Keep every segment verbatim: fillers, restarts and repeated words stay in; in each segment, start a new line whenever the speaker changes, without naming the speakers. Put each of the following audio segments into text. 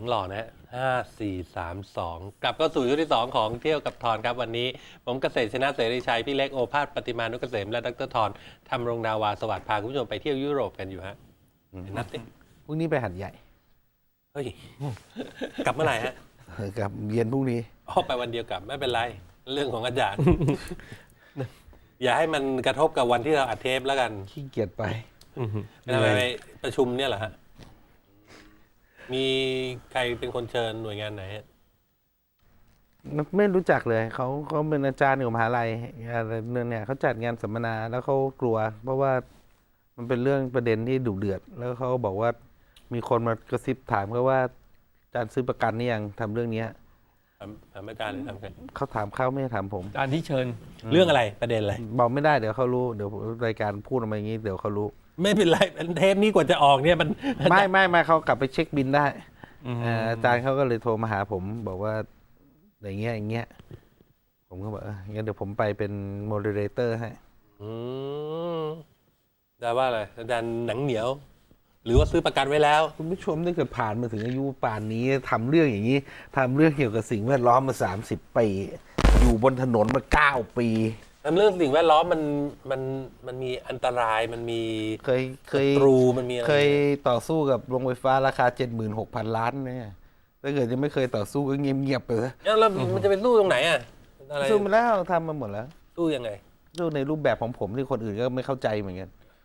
หล่อนะห้าสี่สามสองกลับเข้าสู่ช่วงที่สองของเที่ยวกับทอนครับวันนี้ผมเกษตรชนะเสรีชัยพี่เล็กโอภาสปฏิมานุกเกษมและดรทอนทำรงนาวาสวัสดิ์พาคุณผู้ชมไปเที่ยวยุโรปกันอยู่ฮะนัดสิ
พรุ่งนี้ไปหัดใหญ่
เฮ้ยกลับเมื่อไหร่ฮะ
กลับเย็นพรุ่งนี้
อ๋อไปวันเดียวกลับไม่เป็นไรเรื่องของอาจารย์ อย่าให้มันกระทบกับวันที่เราอัดเทปแล้วกัน
ขี้เกียจไป
ทำไมไปประชุมเนี่ยเหรอฮะมีใครเป็นคนเชิญหน่วยงานไหนฮะ
ไม่รู้จักเลยเขาเขาเป็นอาจารย์อยู่มหาลัยอะไรเนี่ยเขาจัดงานสัมมนาแล้วเขากลัว เพราะว่ามันเป็นเรื่องประเด็นที่ดุเดือด แล้วเขาบอกว่ามีคนมากระซิบถามเขาว่าอาจารย์ซื้อประกันนี่ยังทำเรื่องเนี้ย
ถามถามอาจารย์หรือถามใคร
เขาถามเขาไม่ได้ถามผม
การที่เชิญ
เรื่องอะไรประเด็นอะไร
บอกไม่ได้เดี๋ยวเขารู้เดี๋ยวรายการพูดออกมาอย่างนี้เดี๋ยวเขารู้
ไม่เป็นไรเทปนี้กว่าจะออกเนี่ยมัน
ไม่ไม่ไม่เขากลับไปเช็คบินได้เอ่ออาจารย์เขาก็เลยโทรมาหาผม บอกว่าอย่างเงี้ยอย่างเงี้ยผมก็บอกเอองั้นเดี๋ยวผมไปเป็นโมเดเลเตอร์ให้
อืมได้ว่าอะไรอาจารย์หนังเหนียว หรือว่าซื้อประกันไว้แล้ว
คุณผู้ชมถ้าเกิดผ่านมาถึงอายุป่านนี้ทำเรื่องอย่างนี้ทำเรื่องเกี่ยวกับสิ่งแวดล้อมมาสามสิบปีอยู่บนถนนมาเก้าปี
เรื่องสิ่งแวดล้อมมันมันมันมีอันตรายมันมี
เคยเคย
ศัตรูมันมีอะไร
เคยต่อสู้กับโรงไฟฟ้าราคาเจ็ดหมื่นหกพันล้านเนี่ยถ้าเกิดยังไม่เคยต่อสู้ก็เงียบๆไปเลย
แล้วมันจะไปสู้ตรงไหนอ่ะอะไร
สู้มาแล้วทำมาหมดแล้ว
สู้ยังไง
สู้ในรูปแบบของผมที่คนอื่นก็ไม่เข้าใจเหมือนกัน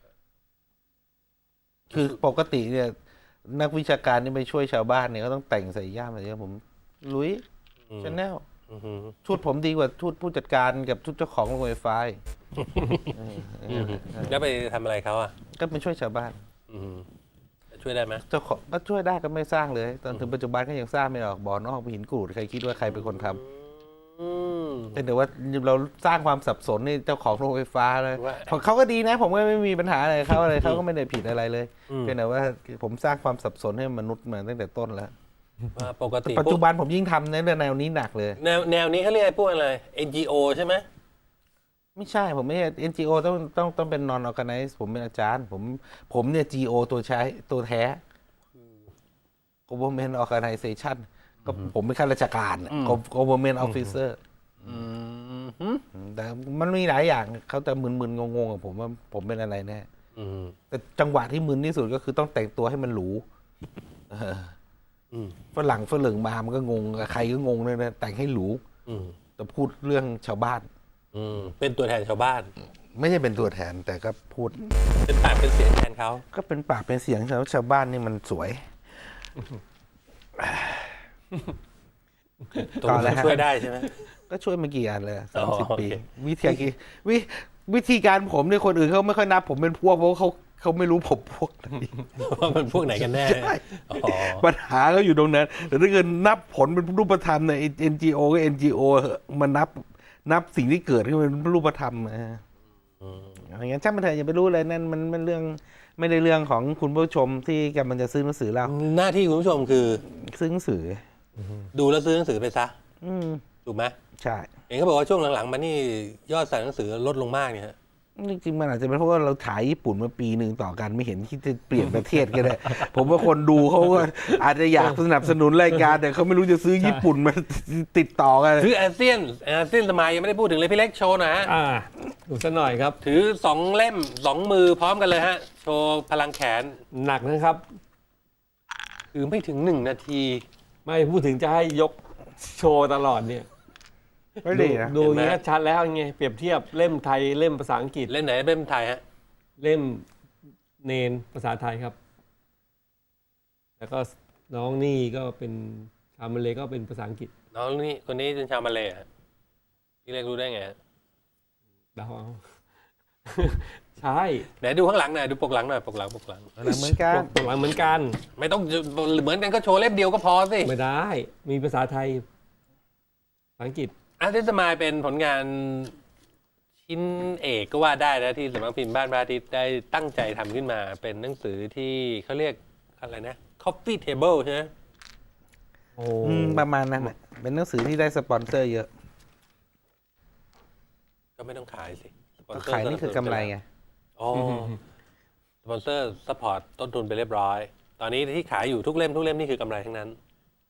คือปกติเนี่ยนักวิชาการที่ไปช่วยชาวบ้านเนี่ยก็ต้องแต่งใส่ย่ามอะไรเงี้ยผมลุย
อืม
ชาแนล
อือหือ
ชุดผมดีกว่าชุดผู้จัดการกับชุดเจ้าของโรงไฟฟ้าอีกเออเออ
แล้วไปทำอะไรเขาอ่ะ
ก็ไปช่วยชาวบ้าน
อืมช่วยได้ไหม
เจ้าของก็ช่วยได้ก็ไม่สร้างเลย ตอนถึงปัจจุบันก็ยังสร้างไม่ออกบ่อนอกหินกรูดใครคิดว่าใครเป็นคนทำ
อืม
แต่เดี๋ยวว่าเราสร้างความสับสนในเจ้าของโรงไฟฟ้าเลย
ว่า
ของเขาก็ดีนะ ผมก็ไม่มีปัญหาอะไรเขาอะไรเขาก็ไม่ได้ผิดอะไรเลย
อืม
เพียงแต่ว่าผมสร้างความสับสนให้มนุษย์มาตั้งแต่ต้นแล้ว
ว่าปกติ
ปัจจุบันผมยิ่งทำในแนวนี้หนักเลย
แนวแนวนี้เขาเรียกพวกอะไร เอ็น จี โอ ใช่ไหม
ไม่ใช่ผมไม่ใช่ เอ็น จี โอ ต้องต้องต้องเป็น non organized ผมเป็นอาจารย์ ผมผมเนี่ย จี โอ ตัวใช้ตัวแท้ government organization ก็ผมเป็นข้าราชการน่ะ government officer
อืม
แต่มันมีหลายอย่างเขาจะมึนๆงงๆกับผมว่าผมเป็นอะไรแน่
อืม
แต่จังหวะที่มึนที่สุดก็คือต้องแต่งตัวให้มันหรูเออ
อืม
ฝรั่งฝรั่งมามันก็งงใครก็งงเลยนะแต่งให้หรู
อืม
แต่พูดเรื่องชาวบ้าน
อืมเป็นตัวแทนชาวบ้าน
ไม่ใช่เป็นตัวแทนแต่ก็พูด
เป็นปากเป็นเสียงแทนเขา
ก็เป็นปากเป็นเสียงชาวชาวบ้านนี่มันสวย
ตรง
ต่อเลย
นี้
ฮะ
ช่วยได้ใช่ไหม
ก็ช่วยมากี่อันเลย
อ๋
สาม
อ
สิบ
โอเค
ปีวิธีการวิวิธีการผมเนี่ยคนอื่นเขาไม่ค่อยนับ ผมเป็นพวกเพราะเขาเขาไม่รู้ผมพวกไหน
ว่ามันพวกไหนกันแน่
ใช่
อ๋อ
ปัญหาก็อยู่ตรงนั้น แต่ถ้าเกิดนับผลเป็นรูปธรรมเนี่ย เอ็น จี โอ ก็ เอ็น จี โอ เหอะมันนับนับสิ่งที่เกิดขึ้นเป็นรูปธรรมนะ
อืม
อย่างนั้นช่างมันเถอะอย่าไปรู้เลยนั่นมันมันเรื่องไม่ได้เรื่องของคุณผู้ชมที่กำลังจะซื้อหนังสือเรา
หน้าที่คุณผู้ชมคือ
ซื้อหนังสือ
ดูแล้วซื้อหนังสือไปซะ
อืม
ถูกไหม
ใช่
เห็นเขาบอกว่าช่วงหลังๆมานี่ยอดสั่งหนังสือลดลงมากเนี่ยฮะ
จริงๆมันอาจจะเป็นเพราะว่าเราถ่ายญี่ปุ่นมาปีหนึ่งต่อกันไม่เห็นที่จะเปลี่ยนประเทศก็ได้ ผมว่าคนดูเขาก็อาจจะอยากสนับสนุนรายการแต่เขาไม่รู้จะซื้อญี่ปุ่นมาติดต่อกัน
ถืออาเซียนอาเซียนสมัยยังไม่ได้พูดถึงเลยพี่เล็กโชว์หนะฮะ
อ่าดูสักหน่อยครับ
ถือสองเล่มสองมือพร้อมกันเลยฮะ โชว์พลังแขน
หนักนะครับ
ถือไม่ถึงหนึ่งนาที
ไม่พูดถึงจะให้ยกโชว์ตลอดเนี่ย
ไม่ดีนะ
ดู
เห็นไหม
อย่างนี้ชัดแล้วไงเปรียบเทียบเล่มไทยเล่มภาษาอังกฤษ
เล่นไหนเป็นไทยฮะ
เล่มเนนภาษาไทยครับ แล้วก็น้องนี่ก็เป็นชาวมาเลก็เป็นภาษาอังกฤษ
น้องนี่คนนี้เป็นชาวมาเลย์ฮะพี่เล็กรู้ได้ไงฮะ
เดาเอา ใช่
ไหนดูข้างหลังหน่อยดูปกหลังหน่อยปกหลังปกหลัง
เหมือนกัน
ปกหลังเหมือนกัน
ไม่ต้องเหมือนกันก็โชว์เล่มเดียวก็พอสิ
ไม่ได้ มีภาษาไทยภาษาอังกฤษ
อาร์ติสมายเป็นผลงานชิ้นเอกก็ว่าได้นะที่สำนักพิมพ์บ้านพระอาทิตย์ได้ตั้งใจทำขึ้นมา เป็นหนังสือที่เขาเรียกอะไรนะ coffee table ใช่ไหม
โอ้
อืมประมาณนั้นแหละเป็นหนังสือที่ได้สปอนเซอร์เยอะ
ก็ไม่ต้องขายสิสปอ
ก็
เซอร์
ขายนี่คือกำไรไง
อ๋อสปอนเซอร์ซัพพอร์ตต้นทุนไปเรียบร้อย ตอนนี้ที่ขายอยู่ทุกเล่มทุกเล่มนี่คือกำไรทั้งนั้น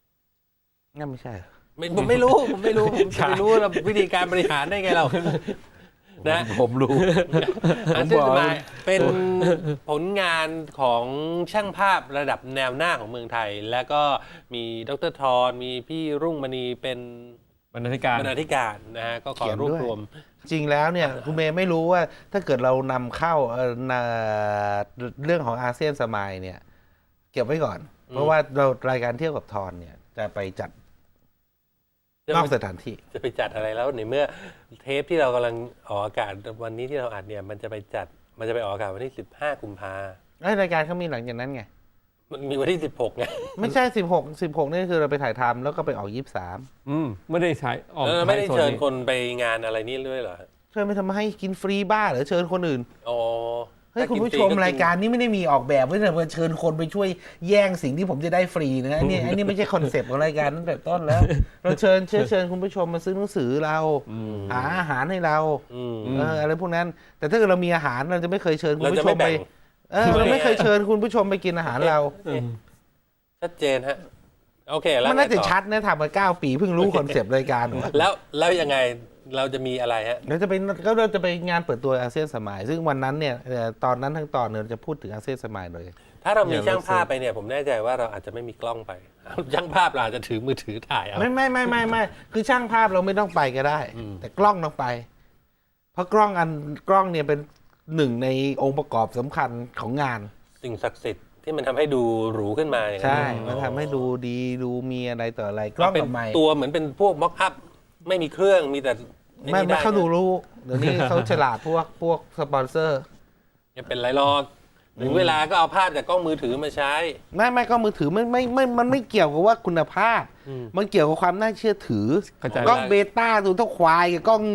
งั้นไม่ใช่เหรอ
ไม่ผมไม่รู้ผมไม่รู้ผมจะไปรู้เราวิธีการบริหารได้ไงเรานะ
ผมรู้
อาเซียนสมายเป็นผลงานของช่างภาพระดับแนวหน้าของเมืองไทย แล้วก็มีดรทรมีพี่รุ่งมณีเป็น
บรรณาธิการ
บรรณาธิการนะฮะก็ขอรวบรวม
จริงแล้วเนี่ยคุณเมย์ไม่รู้ว่าถ้าเกิดเรานำเข้าเอ่อน่ะเรื่องของอาเซียนสมายเนี่ย เก็บไว้ก่อน เพราะว่าเรารายการเที่ยวกับทอนเนี่ย จะไปจัดนอกสถานที่
จะไปจัดอะไรแล้วในเมื่อเทปที่เรากำลังออกอากาศวันนี้ที่เราอัดเนี่ยมันจะไปจัดมันจะไปออกอากาศวันที่สิบห้ากุมภา
ไอ้รายการเขามีหลังจากนั้นไง
มันมีวันที่สิบหกไง
ไม่ใช่สิบหก สิบหกนี่คือเราไปถ่ายทำแล้วก็ไปออกยี่สิบสาม
อืมไม่ได้ใช้ออก
เออไม่ได้
ใช้โซ
เชิญ
นี้
คนไปงานอะไรนี่ด้วยเหรอ
เชิญไปทำให้กินฟรีบ้าหรือเชิญคนอื่น
อ๋อ
เฮ้ย
ถ้า
คุณ
กิน
ผู้
ฟ
ชม
ก็
รายการนี้ไม่ได้มีออกแบบไว้แต่ว่าเชิญคนไปช่วยแย่งสิ่งที่ผมจะได้ฟรีนะอันนี้อันนี้ไม่ใช่คอนเซปต์ของรายการตั้งแต่ต้นแล้ว เราเชิญเชิญเชิญคุณผู้ชมมาซื้อหนังสือเราหาอาหารให้เรา
อืม
เอออะไรพวกนั้น แต่ถ้าเกิดเรามีอาหารเราจะไม่เคยเชิญคุณ
เราจะ
ผู้ช
ไม่
มไป
แบ่ง
เออเราไม่เคยเชิญคุณผู้ชมไปกินอาหารเรา
อืม
ชัดเจนฮะโอเคแล้ว
มันน่าจะ
ไงต่อ
ชัดนะทำมาเก้าปีเพิ่งรู้คอนเซปต์รายการ
แล้วแล้วยังไงเราจะมีอะไรฮะ
เราจะไปก็เราจะไปงานเปิดตัวอาเซียนสมัย ซึ่งวันนั้นเนี่ยเอ่อตอนนั้นทั้งตอนเนี่ยเราจะพูดถึงอาเซียนสมัยเลย
ถ้าเรามี
อย่าง
ช่าง
เรา
ภาพไปเนี่ยผมแน่ใจว่าเราอาจจะไม่มีกล้องไป ช่างภาพเราอาจจะถือมือถือถ่ายเอา
ไม่ไม่ไม่ไม่ไม่คือช่างภาพเราไม่ต้องไปก็ได้ แต่กล้องต้องไป เพราะกล้องอันกล้องเนี่ยเป็นหนึ่งในองค์ประกอบสำคัญของงาน
สิ่งศักดิ์สิทธิ์ที่มันทำให้ดูหรูขึ้นมาอย่างนั้น
ใช่
เหรอ
มันทำให้ดูดีดูมีอะไรต่ออะไร กล้
ก็
อง
เป็น
กับไมค์
ตัวเหมือนเป็นพวกม็อกอัพไม่มีเครื่องมีแต่
ไม่
นี่
ไม่
ด้
เขาดูรู้เดี๋ยวนี้เขาฉลาดพวกพวกสปอนเซอร์
อย่าเป็นไรหรอกถึงเวลาก็เอาภาพจากกล้องมือถือมาใช้
ไม่ไม่ก็มือถือไม่ไม่ไม่มันไม่เกี่ยวกับว่าคุณภาพ
อืม
มันเกี่ยวกับความน่าเชื่อถือ
เข้าใจ
กล้องเบต้าดูเท่าควายกับกล้อง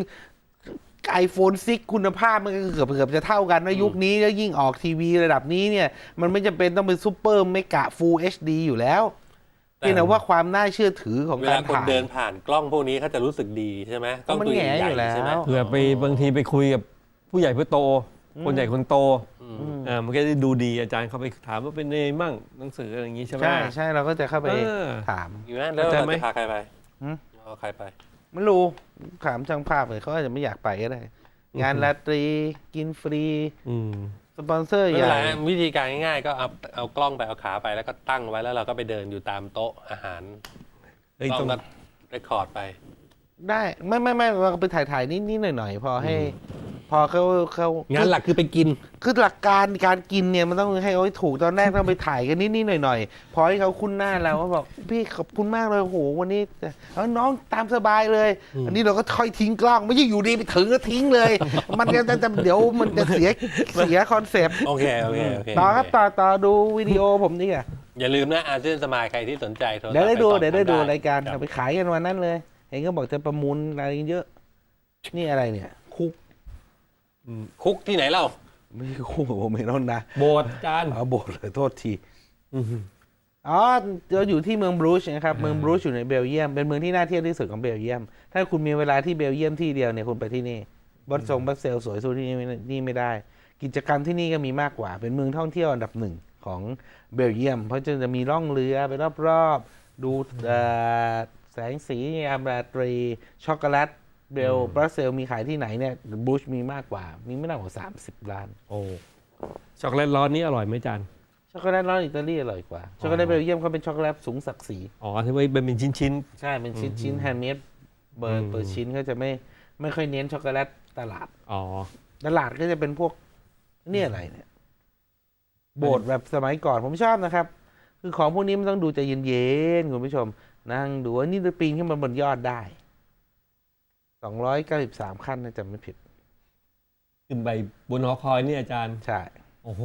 iPhone ซิกคุณภาพมันก็เกือบเกือบจะเท่ากันนะยุคนี้แล้วยิ่งออกทีวีระดับนี้เนี่ย มันไม่จำเป็นต้องเป็นซูเปอร์เมกะฟูลเอชดีอยู่แล้วเพียงแต่ว่าความน่าเชื่อถือของ
เว
กา
ลาร คน
ถ่าย
เดินผ่านกล้องพวกนี้เขาจะรู้สึกดีใช่ไหมกล้อง
มัน
ตัว
แหง่
ใหญ่
อยู่แล้ว
ๆใช่ไหม
เผื่อไปบางทีไปคุยกับผู้ใหญ่ผู้โต คนใหญ่คนโตอ่ามันก็จะดูดีอาจารย์เขาไปถามว่าเป็นไงมั่งหนังสืออะไรอย่างงี้ใช่ไหม
ใช่ใช่เราก็จะเข้าไป
เออ
ถาม
อยู่ไหมแล้ว
เข้าใจ
เรา
ไหม
จะพาใครไป
หืม
เอาใครไป
ไม่รู้ถามช่างภาพเลยเขาอาจจะไม่อยากไปก็ได้ งานราตรีกินฟรี
อืม
สปอนเซอร์
ไม่
ให
เป็น
ญ่
ไรวิธีการง่ายๆก็เอาเอากล้องไปเอาขาไปแล้วก็ตั้งไว้แล้วเราก็ไปเดินอยู่ตามโต๊ะอาหาร
เฮ้ย
กล้
ต้
อ
อง ง
ก็เรคคอร์ดไป
ได้ไม่ไม่ไม่เราก็ไปถ่ายถ่ายนิดนิดหน่อยหน่อยๆพอให้ พอเขาเขา
งานหลักคือไปกิน
คือหลักการการกินเนี่ยมันต้องให้เขาให้ถูกตอนแรกต้องไปถ่ายกันนิดนิดหน่อยหน่อยๆพอให้เขาคุ้นหน้าเราก็บอกพี่ขอบคุณมากเลยโอ้โหวันนี้เอาน้องตามสบายเลย อันนี้เราก็ค่อยทิ้งกล้องไม่ใช่อยู่ดีไปถึงก็ทิ้งเลย มันจะจะจะเดี๋ยวมันจะเสียเสียคอนเซปต์
โอเคโอเคโอเค
ต่อครับต่อต่อดูวิดีโอผมนี่อ่ะ
อย่าลืมนะอาเซียนสมายใครที่สนใจโทรศัพท์
เดี๋ยวได้ดู
ปสอบ
เดี๋ยวได้ดู
ถม
รายการ
ค
เอา
บ
ไปขายกันวันนั้นเลย เห็นก็บอกจะประมูลอะไรเยอะ นี่อะไรเนี่ย คุก
คุกที่ไหนเล่า
ไม่ใช่คุกผมไม่ต้องนะ
โบสถ์อาจารย์
เอาโบทเลยโทษที
อืม
อ๋อเราอยู่ที่เมืองบรูชนะครับ เมืองบรูชอยู่ในเบลเยียม เป็นเมืองที่น่าเที่ยวที่สุดของเบลเยียม ถ้าคุณมีเวลาที่เบลเยียมที่เดียวเนี่ยคุณไปที่นี่บอสซงบัสเซลสวยสู้ที่นี่ไม่นี่ไม่ได้ กิจกรรมที่นี่ก็มีมากกว่า เป็นเมืองท่องเที่ยวอันดับหนึ่งของเบลเยียม เพราะจะจะมีล่องเรือไปรอบๆ ดูเอ่อแสงสียามราตรี ช็อกโกแลตเบลบรัสเซลมีขายที่ไหนเนี่ยบรูชมีมากกว่า มีไม่ต่ำกว่าสามสิบล้าน
โอ้ช็อกโกแลตร้อนนี่อร่อยไหมอาจารย์
ช็อกโกแลตร้อนอิตาลีอร่อยกว่า ช็อกโกแลตเบลเยียมเขาเป็นช็อกโกแลตสูงศักดิ์ศรี
อ๋อที่ว่าเป็นชิ้นชิ้น
ใช่เป็นชิ้นชิ้นแฮนด์เมดเบอ
อื
ร์
ม
เบอร์ชิ้นเขาจะไม่ไม่ค่อยเน้นช็อกโกแลตตลาด
ๆอ๋อ
ตลาดก็จะเป็นพวกเนี่ยอะไรเนี่ย โบสถ์แบบสมัยก่อนผมชอบนะครับ คือของพวกนี้มันต้องดูใจเย็นๆคุณผู้ชม นั่งดูว่านี่จะปีนขึ้นมาบนยอดได้สองร้อยเก้าสิบสามขั้นนะจำไม่ผิด
ขึ้นไปบนหอคอยนี่อาจารย์
ใช่
โอ้โห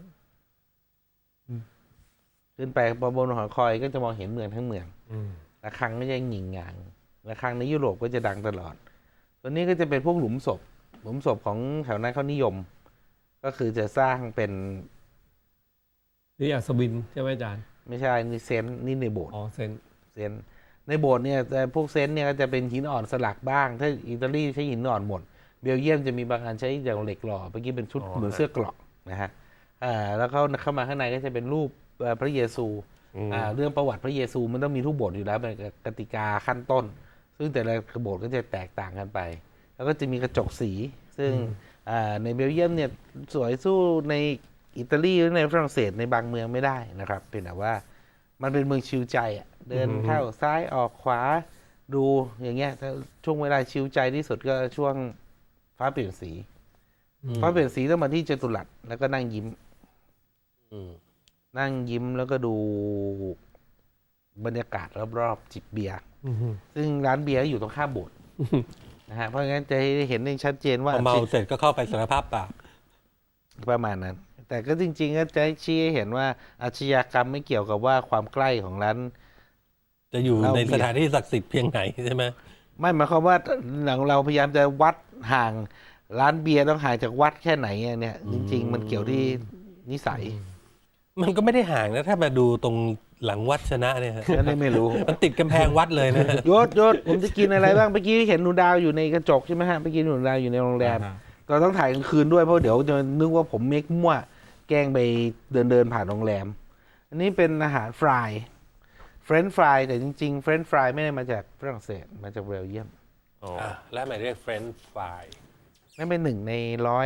ขึ้นไปบนหอคอยก็จะมองเห็นเมืองทั้งเมือง
อืม
ระฆังก็จะหงิ่งงางระฆังในยุโรปก็จะดังตลอด ตัวนี้ก็จะเป็นพวกหลุมศพ หลุมศพของแถวนั้นเขานิยม ก็คือจะสร้างเป็น
นี่อัศวินใช่ไหมอาจารย์
ไม่ใช่นี่เซนต์นี่ในโบสถ์
อ๋อเซน
เซนต์ในโบสถ์เนี่ยแต่พวกเซนต์เนี่ยก็จะเป็นหินอ่อนสลักบ้าง ถ้าอิตาลีใช้หินอ่อนหมด เบลเยียมจะมีบางอันใช้อย่างเหล็กหล่อเมื่อกี้เป็นชุดเหมือนเสื้อเกราะนะฮะอ่าแล้วเขาเข้ามาข้างในก็จะเป็นรูปเอ่อพระเยซู
อืม
อ่าเรื่องประวัติพระเยซูมันต้องมีทุกบทอยู่แล้วเป็นกติกาขั้นต้น ซึ่งแต่ละบทก็จะแตกต่างกันไป แล้วก็จะมีกระจกสี ซึ่งอ่าในเบลเยียมเนี่ยสวยสู้ในอิตาลีหรือในฝรั่งเศสในบางเมืองไม่ได้นะครับเป็นแต่ว่ามันเป็นเมืองชิลใจอ่ะเดินเข้าซ้ายออกขวาดูอย่างเงี้ยแต่ช่วงเวลาชิลใจที่สุดก็ช่วงฟ้าเปลี่ยนสี ฟ้าเปลี่ยนสีต้องมาที่จตุรัสแล้วก็นั่งยิ้ม
อืม
นั่งยิ้มแล้วก็ดูบรรยากาศรอบๆจิบเบียร์
อืม
ซึ่งร้านเบียร์อยู่ตรงข้ามโบสถ์นะฮะเพราะงั้นจะเห็นได้ชัดเจนว่า
พอเมาเสร็จก็เข้าไปสารภาพบาป
ประมาณนั้น แต่ก็จริงๆก็จะชี้ให้เห็นว่าอาชญากรรมไม่เกี่ยวกับว่าความใกล้ของร้าน
จะอยู่
เรา
ใน
เบียร์
สถานที่ศักดิ์สิทธิ์เพียงไหนใช่ไหม
ไม่หมายความว่าหลังเราพยายามจะวัดห่างร้านเบียร์ต้องห่างจากวัดแค่ไหนอะเนี่ย จริง ๆ มันเกี่ยวที่นิสัย
มันก็ไม่ได้ห่างนะถ้ามาดูตรงหลังวัดชนะเนี่ยฮะ
ก็เลยไม่รู้
มันติดกำแพงวัดเลยนะ
ยศยศผมจะกินอะไรบ้างเมื่อกี้เห็นหนูดาวอยู่ในกระจกใช่ไหมฮะเมื่อกี้หนูดาวอยู่ในโรงแรม
อ่าฮะ
เราต้องถ่ายกลางคืนด้วยเพราะเดี๋ยวจะนึกว่าผมเมคมั่วแกล้งไปเดินเดินผ่านโรงแรม อันนี้เป็นอาหารฟรายเฟรนช์ฟรายแต่จริงๆเฟรนช์ฟรายไม่ได้มาจากฝรั่งเศสมาจากเบลเยียม
อ๋อ
อ่ะแล้วหมายเรียกเฟรนช์ฟราย
นั่นเป็นหนึ่งในร้อย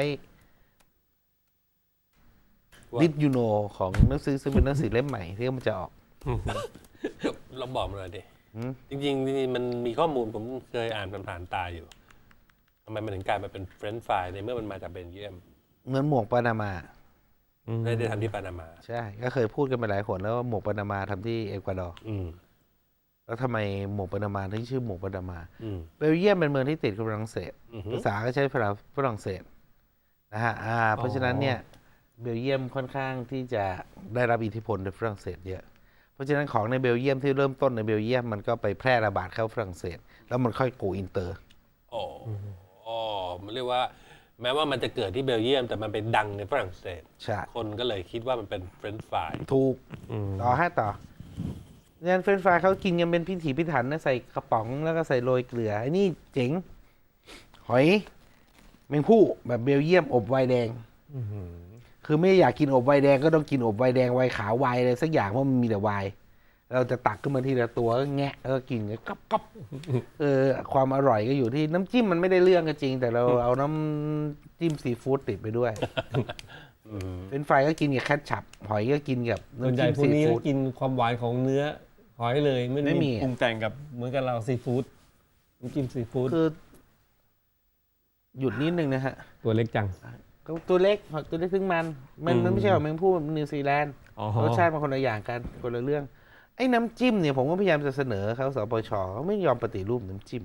ว่า
ดิดยูโนของหนังสือซึ่งเป็นหนังสือเล่มใหม่ที่มันจะออก
เราบอกมาเลยดิ
อืม
จริงๆจริงๆมันมีข้อมูลผมเคยอ่านผ่านๆตาอยู่ทำไมมันถึงกลายมาเป็นเฟรนช์ฟรายในเมื่อมันมาจากเบลเยียม
เหมือนหมวกปานามา
ไม่ได้ทำที่ปานามา
ใช่ ก็เคยพูดกันไปหลายคนแล้วว่าหมวกปานามาทำที่เอกวาดอร์
อืม
แล้วทำไมหมวกปานามาถึงชื่อหมวกปานามา
อืม
เบลเยียมเป็นเมืองที่ติดกับฝรั่งเศส
อือฮึ
ภาษาก็ใช้ภาษาฝรั่งเศสนะฮะอ่าเพราะฉะนั้นเนี่ยเบลเยียมค่อนข้างที่จะได้รับอิทธิพลในฝรั่งเศสเยอะ เพราะฉะนั้นของในเบลเยียมที่เริ่มต้นในเบลเยียมมันก็ไปแพร่ระบาดเข้าฝรั่งเศส แล้วมันค่อยโกอินเตอร์
อ๋ออ๋อมันเรียกว่า แม้ว่ามันจะเกิดที่เบลเยียม แต่มันไปดังในฝรั่งเศส
ใช่
คนก็เลยคิดว่ามันเป็นเฟรนช์ฟราย
ถูก
อืม
ต่อให้ต่อเนี่ยเฟรนช์ฟรายเขากินกันเป็นพิถีพิถันนะใส่กระป๋องแล้วก็ใส่โรยเกลือไอ้นี่เจ๋ง หอยแมงผู้แบบเบลเยียมอบไวน์แดง
อืม
คือไม่อยากกินอบไวน์แดงก็ต้องกินอบไวน์แดงไวน์ขาวไวน์อะไรสักอย่างเพราะมันมีแต่ไวน์เราจะตักขึ้นมาทีละตัวก็แงะแล้วก็กินกันก๊อบก๊อบเออความอร่อยก็อยู่ที่น้ำจิ้มมันไม่ได้เรื่องก็จริง แต่เราเอาน้ำจิ้มซีฟู้ดติดไปด้วย
อืม
เป็นไฟรายก็กินกับแคทชัพหอยก็กินกับ
ส่วน
น้ำ
ใหญ่
จิ้ม
พวก
ซี
นี้
ฟู้ด
กินความหวานของเนื้อหอยเลยไม่
ไม่
ได้
มี
ปรุงแต่งกับเหมือนกับเราซีฟู้ดน้ำจิ้มซีฟู้ด
คือ หยุดนิดนึงนะฮะ
ตัวเล็กจัง
ก็ตัวเล็กหอยตัวเล็กซึ่งมัน มัน
อืม
มันไม่ใช่หอยแมงผู้แบบนิวซีแลนด์
อ๋อ
รสชาติมันคนละอย่างกันคนละเรื่อง ไอ้น้ำจิ้มเนี่ยผมก็พยายามจะเสนอเขาสปชเขาไม่ยอมปฏิรูปน้ำจิ้ม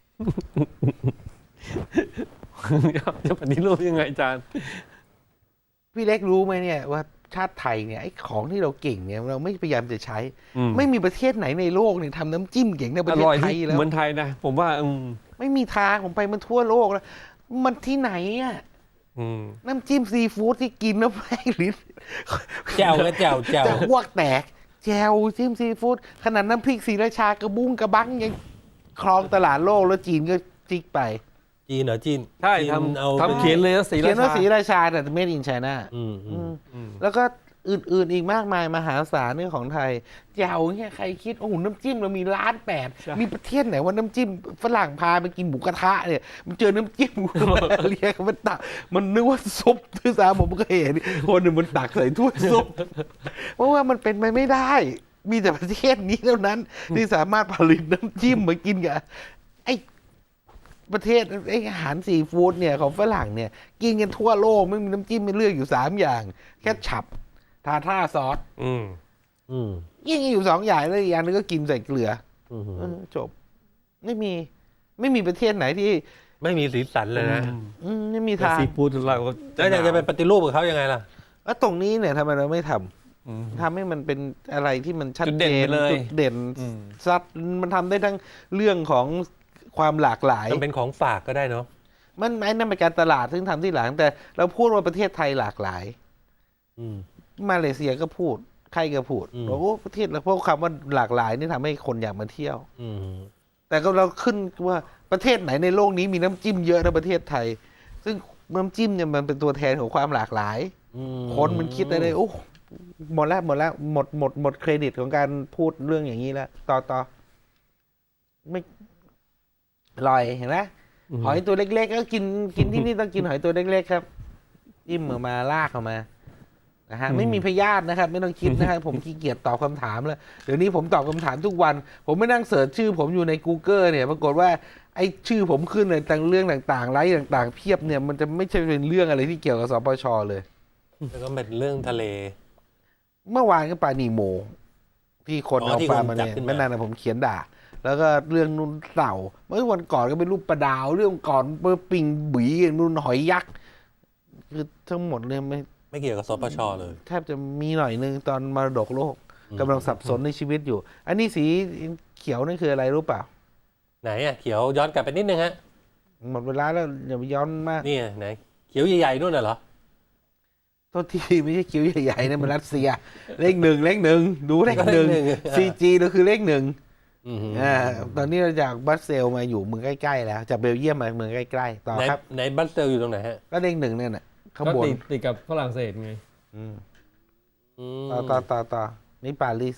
จะปฏิรูปยังไงอาจารย์
พี่เล็กรู้ไหมเนี่ยว่าชาติไทยเนี่ยไอ้ของที่เราเก่งเนี่ยเราไม่พยายามจะใช้
อืม
ไม่มีประเทศไหนในโลกเนี่ยทำน้ำจิ้มเก่งในประ
อ
เทศ
ร่อย
ไทย
ที่
แล้ว
เหมือนไทยนะ ผมว่าอืม
ไม่มีทางผมไปมันทั่วโลกแล้ว มันที่ไหนอะ
อืม
น้ำจิ้มซีฟู้ดที่กินแล้วแม่งลิ้น
แจ่วก็แจ่วแจ่ว
จะอ้วกแตก แจวจิ้มซีฟู้ดขนาดน้ำพริกศรีราชากระบุ้งกระบังยังครองตลาดโลกแล้วจีนก็จิกไป
จีนเหรอจีน
ใช่
จีน
ทำ
เอา
ทำเขียนเลยนะสี
เขียนว่า
รา
ศรี
ชา
ราชาแต่เมดอินไชน่า
อืมอืม
อืม
แล้วก็อื่นๆอีกมากมายมหาศาลเนี่ยของไทยแจวเนี่ยใครคิดโอ้โหน้ำจิ้มเรามีล้านแปด
ใช่
มีประเทศไหนว่าน้ำจิ้มฝรั่งพาไปกินหมูกระทะเนี่ยมันเจอน้ำจิ้ม เรียกมันตักมันนึกว่าซุปที่สามผมก็เห็นคนหนึ่งมันตักใส่ถ้วยซุป เพราะว่ามันเป็นไปไม่ได้ มีแต่ประเทศนี้เท่านั้น ที่สามารถผลิตน้ำจิ้มมากินกับไอ้ประเทศไอ้อาหารซีฟู้ดเนี่ยของฝรั่งเนี่ย กินกันทั่วโลกไม่มีน้ำจิ้มไม่เลือกอยู่สามอย่าง แค่ฉับทาท่าซอส
อืม
อืม
ยิ่งอยู่สองอย่างแล้วอีกอย่างนึงก็กินใส่เกลือ
อืม
เออจบ ไม่มี ไม่มีประเทศไหนที่
ไม่มีสีสันเลยนะ
อืมไม่มี
แต่
ทาง
ซีฟู้ดเราก็
แล้วอยากจะไปปฏิรูปกับเขายังไงล่ะ
แล้วตรงนี้เนี่ยทำไมเราไม่ทำ
อืม
ทำให้มันเป็นอะไรที่มันชัด
จุด
เจ
เด่น
น
ไปเลย
จุดเด่น
อืม
ซัดมันทำได้ทั้งเรื่องของความหลากหลาย
มันเป็นของฝากก็ได้เนาะ
มันไอ้นั่นเป็นการตลาดซึ่งทำที่หลัง แต่เราพูดว่าประเทศไทยหลากหลาย
อืม
มาเลเซียก็พูดใครก็พูด
อืม
บอกว่าประเทศเราเพราะคำว่าหลากหลายนี่ทำให้คนอยากมาเที่ยว
อืม
แต่ก็เราขึ้นว่าประเทศไหนในโลกนี้มีน้ำจิ้มเยอะนะประเทศไทย ซึ่งน้ำจิ้มเนี่ยมันเป็นตัวแทนของความหลากหลาย
อืม
คนมันคิดอะไรโอ้หมดแล้วหมดแล้วหมดหมดหมดเครดิตของการพูดเรื่องอย่างนี้แล้ว ต่อต่อไม่อร่อยเห็นไหมหอยตัวเล็กๆก็กินกินที่นี่ต้องกินหอยตัวเล็กๆครับจิ้มออกมาลากออกมานะฮะไม่มีพยาธินะครับ ไม่ต้องคิดนะครับ ผมขี้เกียจตอบคำถามแล้วเดี๋ยวนี้ผมตอบคำถามทุกวัน ผมไม่นั่งเสิร์ชชื่อ ผมอยู่ใน Google เนี่ยปรากฏว่าไอ้ชื่อผมขึ้นในต่างเรื่องต่างๆไลฟ์ต่างๆ เพียบเนี่ยมันจะไม่ใช่เป็นเรื่องอะไรที่เกี่ยวกับสปชเลย
แล้วก็เป็นเรื่องทะเล
เมื่อวานก็ปลานีโม ที่คน
อ๋อ
เอา
ที่
ปลา
คน
มา
จับ
เนี่ย
ขึ้นมา
ไม่นานนะผมเขียนด่า แล้วก็เรื่องนุ่นเต่าเมื่อวันก่อนก็เป็นรูปปลาดาว เรื่องก่อนเมื่อปิงบุ๋ยนุ่นหอยยักษ์คือทั้งหมดเลยไม่
ไม่เกี่ยวกับสปชเลย
แทบจะมีหน่อยนึงตอนมรดกโลก
อืม
กำลังสับสนในชีวิตอยู่ อันนี้สีเขียวนั่นคืออะไรรู้เปล่า
ไหนอ่ะเขียวย้อนกลับไปนิดนึงฮะ
หมดเวลาแล้วอย่าไปย้อนมาก
นี่ไงไหน เขียวใหญ่ๆนู่นน่ะเหรอ
โทษทีไม่ใช่คิ้วใหญ่ๆนะมันรัสเซีย เลขหนึ่งเลขหนึ่งดูเลขหนึ่ง
ก็เลขหนึ่ง
ซีจีเราคือเลขหนึ่ง
อือหือ
อ่าตอนนี้เราจากบัสเซลมาอยู่เมืองใกล้ๆแล้วจากเบลเยียมมาเมืองใกล้ๆต่อ
ไหน
ครับ
ไหนบัสเซลอยู่ตรงไหนฮะ
ก็เลขหนึ่งเนี่ยน่ะข้าง
ก็
บน
ติดติดกับฝรั่งเศสไง
อืม
อืม
ต่อต่อต่อต่อนี่ปารีส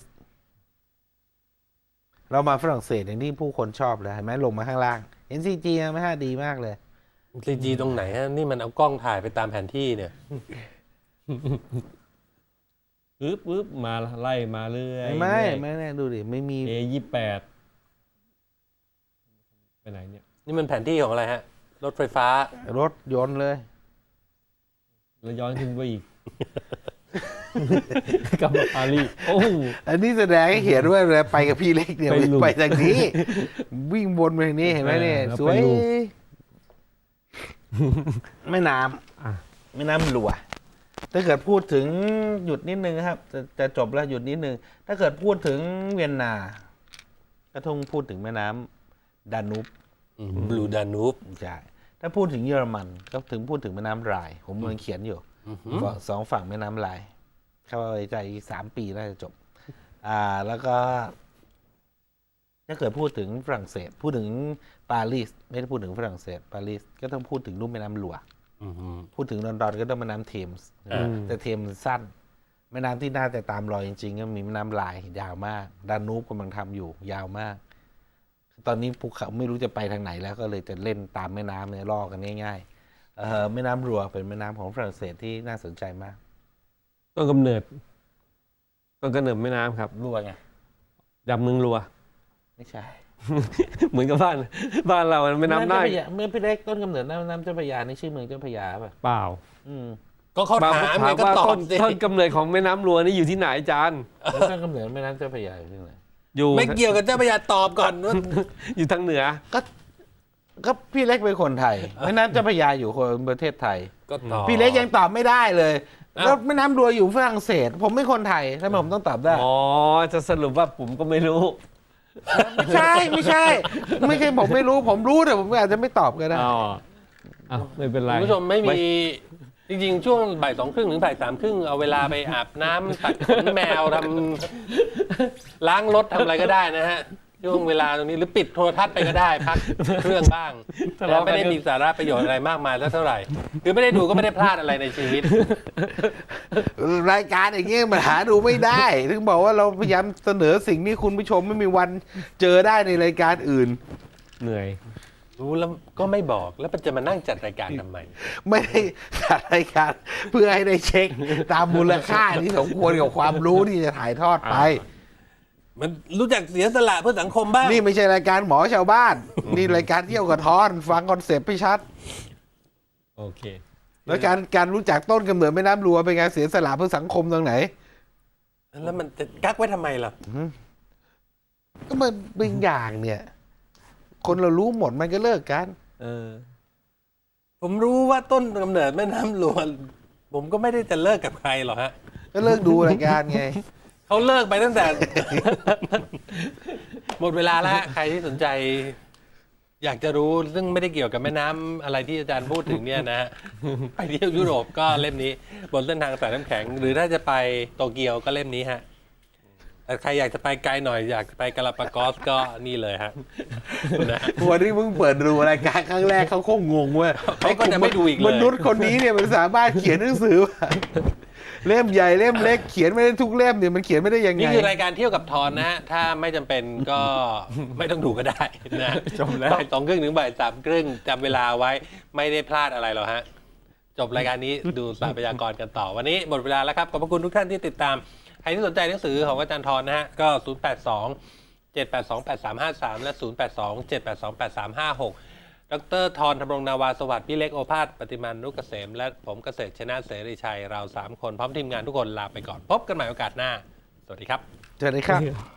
เรามาฝรั่งเศสอย่างที่ผู้คนชอบเลยเห็นไหมลงมาข้างล่างเห็นซีจีไหมฮะดีมากเลย
ซีจีตรงไหนฮะนี่มันเอากล้องถ่ายไปตามแผนที่เนี่ย
ปึ๊บปึ๊บมาไล่มาเรื่อย
ไม่ไม่แน่ดูดิไม่มี
เอยี่แปดไปไหนเนี่ย
นี่มันแผนที่ของอะไรฮะ รถไฟฟ้า
รถยนต์เลย
แล้วย้อนขึ้นไปอีก กลับมาปารีสโอ้โห
อันนี้แสดงให้เห็นว่าเวลาไปกับพี่เล็กเนี่ย
ไปหลุม
ไปทางนี้ วิ่งวนไปทางนี้เห็นไหมเนี่ย
เออแล้ว
สวย
ไปหลุม
แม่น้
อ่ะ
ำแม่น้ำหลัว ถ้าเกิดพูดถึงหยุดนิดนึงครับ จะจะจบแล้วหยุดนิดนึง ถ้าเกิดพูดถึงเวียนนา ก็ต้องพูดถึงแม่น้ำดานูบบ
ลูดานูบ
ใช่ถ้าพูดถึงเยอรมันก็ถึงพูดถึงแม่น้ำไรน์ผมกำลังเขียนอยู่สองฝั่งแม่น้ำไรน์เข้าไปใจอีกสามปีน่าจะจบ อ่า แล้วก็ ถ้าเกิดพูดถึงฝรั่งเศส พูดถึงปารีสไม่ได้พูดถึงฝรั่งเศส ปารีสก็ต้องพูดถึงลุ่มแม่น้ำหลวง
อือหือ
พูดถึงลอนดอนก็ต้องแม่น้ำเทมส์
อ่า
แต่เทมส์สั้น แม่น้ำที่น่าจะตามรอยจริงๆ ก็มีแม่น้ำลายยาวมาก ดานูบกำลังทำอยู่ ยาวมาก ตอนนี้ภูเขาไม่รู้จะไปทางไหนแล้วก็เลยจะเล่นตามแม่น้ำเนี่ยล่อกันง่ายๆเอ่อแม่น้ำรัวเป็นแม่น้ำของฝรั่งเศสที่น่าสนใจมาก
ต้นกำเนิดต้นกำเนิดแม่น้ำครับ
รัวไง
ดำเมืองรัว
ไม่ใช่
เหมือนกับบ้าน บ้านเราแม่น้ำน่าน
เจ้าพระยาเมื่อพี่เล็กต้นกำเนิดน้ำน้ำเจ้าพระยานี่ชื่อเมืองเจ้าพระยาป่ะ
เปล่า
อืม
ก็เขาถามไงก็
ว่า
ตอ
ต้
บ
น
สิ
ต้นกำเนิดของแม่น้ำรัวนี่อยู่ที่ไหนอาจารย์
แล้วต้นกำเนิดแม่น้ำเจ้าพระยาอยู่ที่ไหน
อยู่
ไม่เกี่ยวกับเจ้าพระยาตอบก่อนว่า
อยู่ทางเหนือ
ก็ก็พี่เล็กเป็นคนไทยแม่น้ำเจ้าพระยาอยู่คนประเทศไทย
ก็ตอบ
พี่เล็กยังตอบไม่ได้เลย
อ้าว
แล้วแม่น้ำรัวอยู่ฝรั่งเศส ผมไม่คนไทยทำไมผมต้องตอบได้
อ๋อ จะสรุปว่าผมก็ไม่รู้
ไม่ใช่ไม่ใช่ ไม่ใช่ผมไม่รู้ ผมรู้แต่ผมอาจจะไม่ตอบก็ได้
อ๋ออ้าวไม่เป็นไร
คุณผู้ชมไม่มี จริงๆ ช่วงบ่ายสองครึ่งถึงบ่ายสามครึ่งเอาเวลาไปอาบน้ำตัดขนแมวทำล้างรถทำอะไรก็ได้นะฮะ ช่วงเวลาตรงนี้หรือปิดโทรทัศน์ไปก็ได้ พักเครื่องบ้าง
ทะ
แต่
เลาะกัน
ไม่ได้มีสาระประโยชน์อะไรมากมายสักเท่าไหร่ คือไม่ได้ดูก็ไม่ได้พลาดอะไรในชีวิต
รายการอย่างเงี้ยมันหาดูไม่ได้ ถึงบอกว่าเราพยายามเสนอสิ่งที่คุณผู้ชมไม่มีวันเจอได้ในรายการอื่น
เหนื่อย
รู้แล้วก็ไม่บอกแล้วจะมานั่งจัดรายการทำไม
ไม่ได้จัดรายการเพื่อให้ได้เช็คตามมูลค่าที่สมควรกับความรู้ที่จะถ่ายทอดไป
มันรู้จักเสียสละเพื่อสังคมบ้าง
นี่ไม่ใช่รายการหมอชาวบ้าน นี่รายการเที่ยวกับทอน ฟังคอนเซปต์ให้ชัด
โอเค
แล้วการการรู้จักต้นกำเนิดแม่น้ำรัวเป็นการเสียสละเพื่อสังคมตรงไหน
แล้วมันจะกักไว้ทำไมล่ะ
ก็มันเป็นอย่างเนี่ย คนเรารู้หมดมันก็เลิกกัน
เออ
ผมรู้ว่าต้นกำเนิดแม่น้ำหลวงผมก็ไม่ได้จะเลิกกับใครหรอกฮะ
ก็เลิกดูรายการไง
เขาเลิกไปตั้งแต่ หมดเวลาแล้วฮะใครที่สนใจ อยากจะรู้ซึ่งไม่ได้เกี่ยวกับแม่น้ำอะไรที่อาจารย์พูดถึงเนี่ยนะฮะ ไปเที่ยวยุโรปก็เล่มนี้ บนเส้นทางสายน้ำแข็ง หรือถ้าจะไปโตเกียวก็เล่มนี้ฮะแต่ใครอยากจะไปไกลหน่อยอยากไปกาลาปากอสก็นี่เลยฮะนะ
วันนี้มึงเปิดดูรายการครั้งแรกเขาคงงงว่า
เขาก็จะไม่ดูอีกเลย
มนุษย์คนนี้เนี่ยมันสามารถเขียนหนังสือเล่มใหญ่เล่มเล็กเขียนไม่ได้ทุกเล่มเนี่ยมันเขียนไม่ได้ยังไง
นี่คือรายการเที่ยวกับทอนนะฮะ ถ้าไม่จำเป็นก็ไม่ต้องดูก็ได้นะ
จบแล้ว
บ่ายสองครึ่งถึงบ่ายสามครึ่งจำเวลาไว้ไม่ได้พลาดอะไรหรอกฮะ จบรายการนี้ดูสารพยากรณ์กันต่อ วันนี้หมดเวลาแล้วครับ ขอบพระคุณทุกท่านที่ติดตาม ใครที่สนใจหนังสือของอาจารย์ทรนะฮะ ก็ ศูนย์ แปด สอง เจ็ด แปด สอง แปด สาม ห้า สาม และ ศูนย์ แปด สอง เจ็ด แปด สอง แปด สาม ห้า หก ดรทรธำรงนาวาสวัสดิ์พี่เล็กโอภาสปฏิมานุกเกษม และผมเกษตรชนะเสรีชัย เราสามคนพร้อมทีมงานทุกคนลาไปก่อน พบกันใหม่โอกาสหน้า สวัสดีครับ
เจอเลยครับ